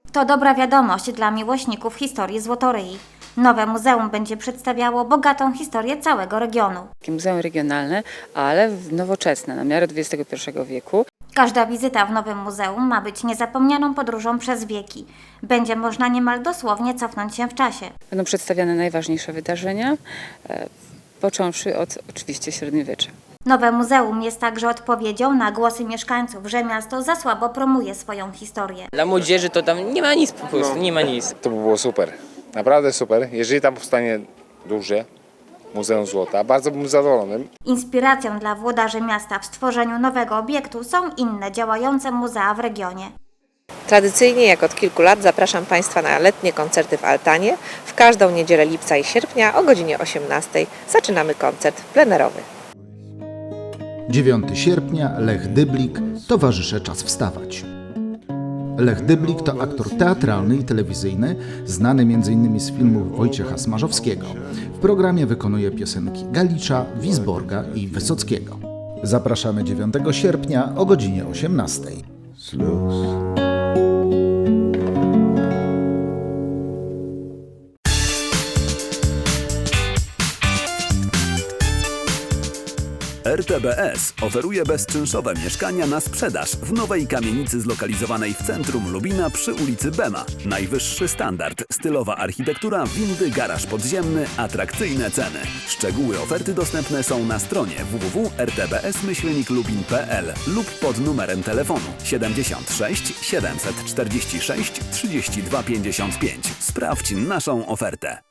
To dobra wiadomość dla miłośników historii Złotoryi. Nowe muzeum będzie przedstawiało bogatą historię całego regionu. Takie muzeum regionalne, ale nowoczesne, na miarę XXI wieku. Każda wizyta w nowym muzeum ma być niezapomnianą podróżą przez wieki. Będzie można niemal dosłownie cofnąć się w czasie. Będą przedstawiane najważniejsze wydarzenia, począwszy od oczywiście średniowiecza. Nowe muzeum jest także odpowiedzią na głosy mieszkańców, że miasto za słabo promuje swoją historię. Dla młodzieży to tam nie ma nic po prostu, nie ma nic. To by było super, naprawdę super. Jeżeli tam powstanie duże Muzeum Złota, bardzo bym zadowolony. Inspiracją dla włodarzy miasta w stworzeniu nowego obiektu są inne działające muzea w regionie. Tradycyjnie, jak od kilku lat, zapraszam Państwa na letnie koncerty w Altanie. W każdą niedzielę lipca i sierpnia o godzinie 18 zaczynamy koncert plenerowy. 9 sierpnia Lech Dyblik, Towarzysze Czas Wstawać. Lech Dyblik to aktor teatralny i telewizyjny, znany m.in. z filmów Wojciecha Smarzowskiego. W programie wykonuje piosenki Galicza, Wisborga i Wysockiego. Zapraszamy 9 sierpnia o godzinie 18. RTBS oferuje bezczynszowe mieszkania na sprzedaż w nowej kamienicy zlokalizowanej w centrum Lubina przy ulicy Bema. Najwyższy standard, stylowa architektura, windy, garaż podziemny, atrakcyjne ceny. Szczegóły oferty dostępne są na stronie www.rtbs-lubin.pl lub pod numerem telefonu 76 746 32 55. Sprawdź naszą ofertę.